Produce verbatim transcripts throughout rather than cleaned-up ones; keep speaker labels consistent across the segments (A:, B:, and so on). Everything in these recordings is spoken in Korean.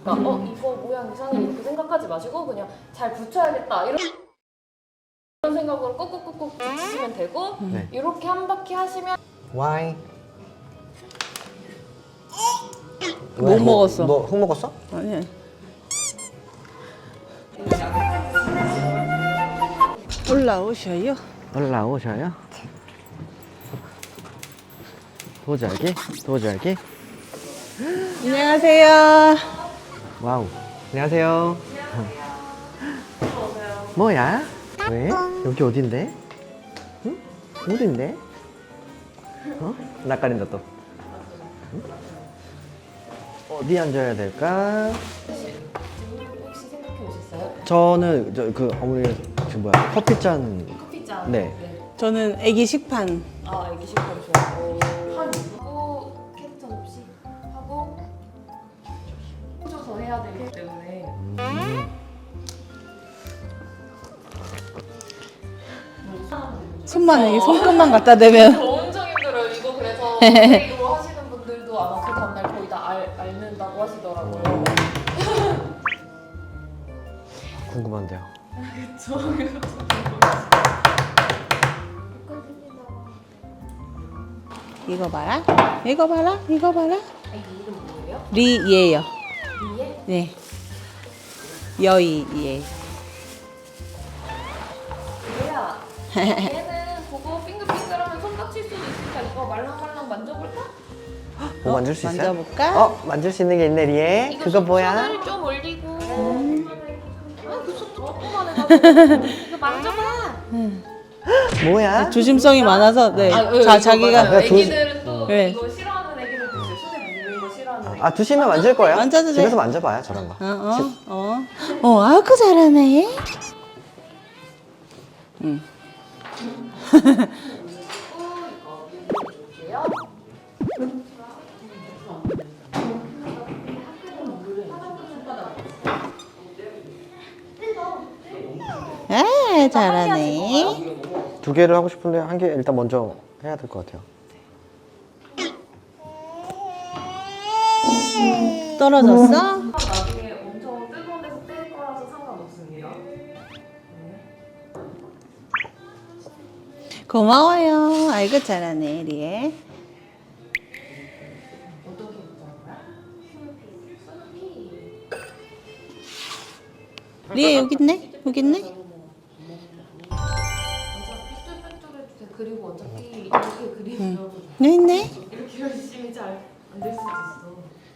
A: 그러니까 어 이거 모양 이상해 이렇게 생각하지 마시고 그냥 잘 붙여야겠다 이런 이런 생각으로 꾹꾹꾹꾹 붙이시면 되고
B: 네.
A: 이렇게 한 바퀴 하시면
B: Why?
C: 못 먹었어.
B: 너흙 먹었어?
C: 아니. 올라오셔요.
B: 올라오셔요. 도자기, 도자기.
C: 안녕하세요.
B: 와우. 안녕하세요. 뭐야? 왜? 여기 어딘데? 응? 어딘데? 어? 낯가린다 또. 응? 어디 앉아야 될까?
A: 혹시 생각해 보셨어요?
B: 저는 저 그 어머니 그 뭐야 커피 잔.
A: 커피잔
B: 네.
C: 저는 애기 식판.
A: 아 애기 식판 좋아하고 하고 캐릭터 접시 하고 꽂아서 해야 되기 때문에
C: 손만 이게 손끝만 갖다 대면.
A: 엄청 힘들어요. 이거 그래서 이거 하시는 분들도 아마 그 다음날 거의 다 알, 앓는다고 하시더라고요.
B: 궁금한데요.
A: 그쵸.
C: 이거 봐라. 이거 봐라. 이거 봐라.
A: 아이 이름 뭐예요?
C: 리예요.
A: 리에?
C: 네. 여이 예.
A: 리에야. 얘는 보고 빙글빙글하면 손 다칠 수도 있으니까 이거 말랑말랑 만져볼까?
B: 뭐 만질 수 있어요?
C: 만져볼까?
B: 어 만질 수 있는 게 있네 리에.
A: 이거
B: 그거
A: 손-
B: 뭐야?
A: 손을 좀 올리고. 아그 손도 조그만해가지고 이거 만져봐.
B: 뭐야?
C: 조심성이 많아서 네.
A: 아, 네,
C: 자
A: 이거
C: 자기가
A: 맞아요.
B: 그 조심-
A: 애기들은 또
C: 네.
A: 이거 싫어하는 애기들도 있어요. 손에 묻는 거 싫어하는 애기.
B: 아 두시면 만질 거예요?
C: 만져도 돼.
B: 집에서 만져봐요 저런 거.
C: 어, 어, 어. 어, 아그 잘하네. 응.
A: 볼게요.
C: 아, 잘하네.
B: 두 개를 하고 싶은데 한 개 일단 먼저 해야 될 것 같아요.
C: 떨어졌어?
A: 나중에 엄청 뜨거운 데서 뗄 거라서 상관없습니다.
C: 고마워요. 아이고 잘하네, 리에.
A: 어떻게 붙여는 거야? 스누피.
C: 리에 여기 있네? 여기 있네?
A: 어차피 삐뚤빼뚤해도 돼. 그리고 어차피 이렇게 그리면
C: 여기 있네?
A: 이렇게 열심히 잘 안 될 수도 있어.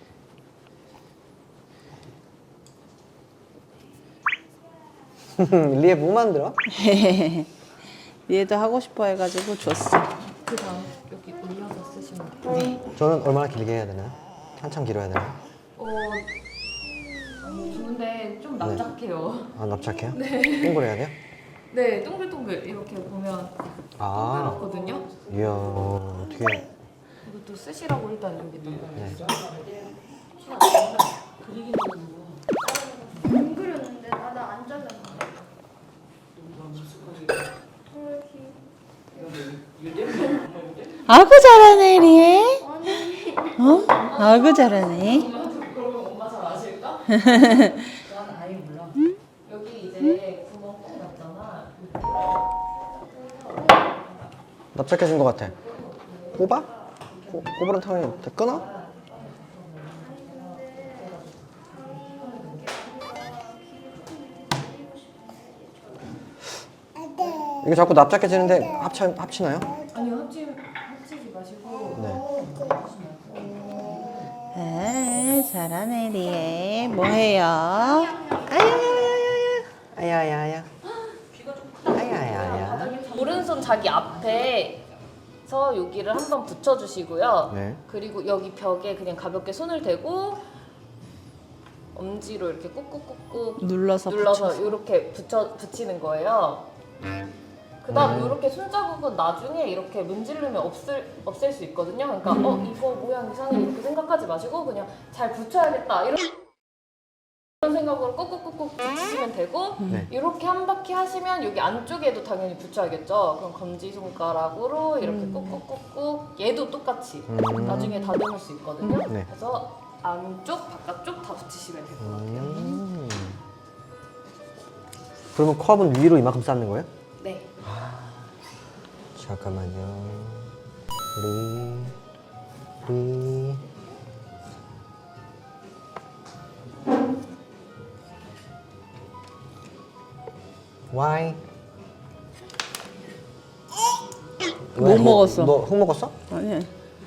B: 리에 뭐 만들어?
C: 리에도 하고 싶어 해가지고 줬어.
A: 그 다음 여기 올려서 쓰시면 돼요.
B: 저는 얼마나 길게 해야 되나요? 한참 길어야 되나요?
A: 어, 근데 좀 납작해요.
B: 아 납작해요? 네. 동그래야 돼요?
A: 네, 동글동글 이렇게 보면
B: 아
A: 동글었거든요.
B: 이야 어떻게
A: 이것도 쓰시라고 일단 여기다.
B: 네.
A: 그리기는
D: 안 그렸는데 나는 안 잘랐는데.
C: 아이고 잘하네, 리에.
D: 아니
C: 어? 아이고 잘하네.
A: 그러면 엄마 잘 아실까? 난 아예 몰라. 여기 이제 구멍 꼭 났잖아.
B: 납작해진 것 같아. 꼽아? 코, 꼽으란 탕이 다 끊어? 이게 자꾸 납작해지는데 합치, 합치나요?
A: 아니요, 합치, 합치지 마시고.
B: 네.
C: 아, 잘하네, 리에. 뭐 해요?
B: 아야야야야. 아야야야.
A: 오른손 자기 앞에서 여기를 한번 붙여주시고요.
B: 네.
A: 그리고 여기 벽에 그냥 가볍게 손을 대고 엄지로 이렇게 꾹꾹꾹꾹
C: 눌러서
A: 눌러서
C: 붙여서.
A: 이렇게 붙여 붙이는 거예요. 그다음
B: 음.
A: 이렇게 손자국은 나중에 이렇게 문지르면 없을 없앨 수 있거든요. 그러니까 어 이거 모양 이상해 이렇게 생각하지 마시고 그냥 잘 붙여야겠다 이런 이런 생각으로 꾹꾹꾹꾹 붙이시면 되고
B: 네.
A: 이렇게 한 바퀴 하시면 여기 안쪽에도 당연히 붙여야겠죠. 그럼 검지 손가락으로 이렇게 꾹꾹꾹꾹 얘도 똑같이
B: 음.
A: 나중에 다듬을 수 있거든요.
B: 네.
A: 그래서 안쪽, 바깥쪽 다 붙이시면 될 것 같아요.
B: 음. 그러면 컵은 위로 이만큼 쌓는 거예요?
A: 네.
B: 잠깐만요. 리, 리. Why?
C: 못 먹었어.
B: 너흙 먹었어?
C: 아니야.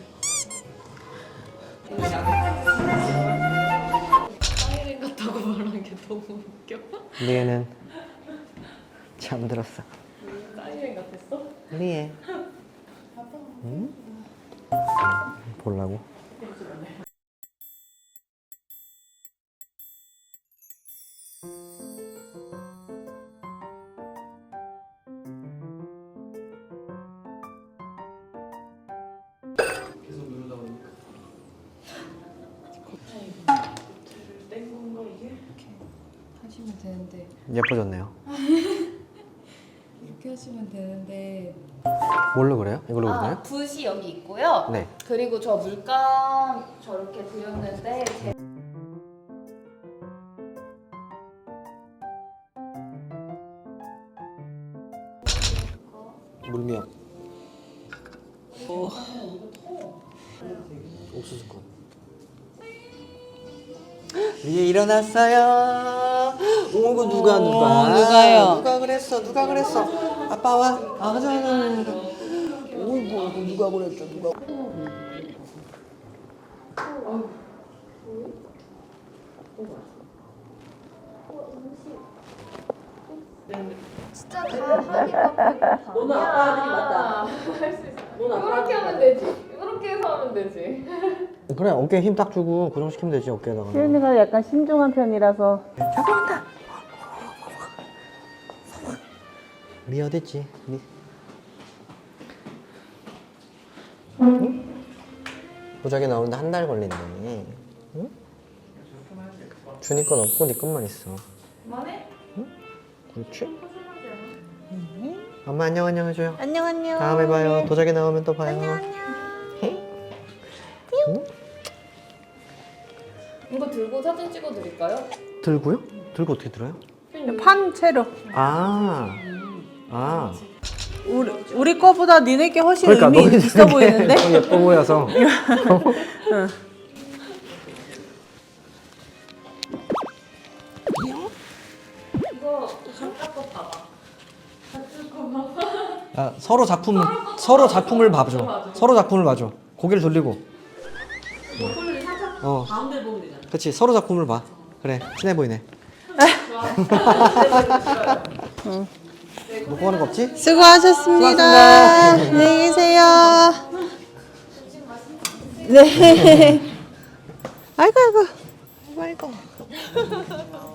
A: 사이렌 같다고 말한 게 너무 웃겨.
B: 리에는 잠들었어.
A: 사이렌 같았어?
B: 리에. 응? 보려고?
A: 하시면 되는데
B: 예뻐졌네요.
A: 이렇게 하시면 되는데
B: 뭘로 그래요? 이걸로
A: 아,
B: 그러나요?
A: 붓이 여기 있고요.
B: 네.
A: 그리고 저 물감 저렇게 드렸는데 제...
B: 물미역. 옥수수콘. 리에 일어났어요. 오고 누가 누가?
C: 어, 누가요?
B: 누가 그랬어? 누가 그랬어? 아빠 와. 아, 가자. 오이고 오이고 누가 그랬죠? 누가?
D: 진짜 다 하니까
A: 너는 아빠 아들이 맞다. 할 수 있어. 이렇게 하면 되지. 이렇게 해서 하면 되지.
B: 그래 어깨에 힘 딱 주고 고정시키면 되지 어깨에다가.
C: 시은이가 약간 신중한 편이라서.
B: 잡아온다. 리 어딨지? 리. 응? 도자기 나오는데 한 달 걸린대. 응? 준이 건 없고 네 것만 있어.
A: 그만해?
B: 그렇지? 엄마 안녕 안녕 해줘요.
C: 안녕 안녕.
B: 다음에 봐요. 도자기 나오면 또 봐요. 안녕 안녕. 응?
A: 이거 들고 사진 찍어 드릴까요?
B: 들고요? 들고 어떻게 들어요?
C: 판 채로.
B: 아, 아.
C: 우리 우리 거보다 니네 게 훨씬
B: 그러니까
C: 의미
B: 너희
C: 있어
B: 되게
C: 보이는데?
B: 너무 예뻐 보여서.
A: 이거 잠깐 거 봐봐.
B: 아, 서로 작품 서로 작품을 봐줘. 서로 작품을 봐줘. 고개를 돌리고. 어. 가운데 보면 되잖아. 그렇지. 서로 작품을 봐. 그래. 친해 보이네. 먹고 가는 거 없지?
C: 수고하셨습니다.
B: 수고하셨습니다.
C: 안녕히 계세요. 네. 아이고 아이고. 아이고 아이고.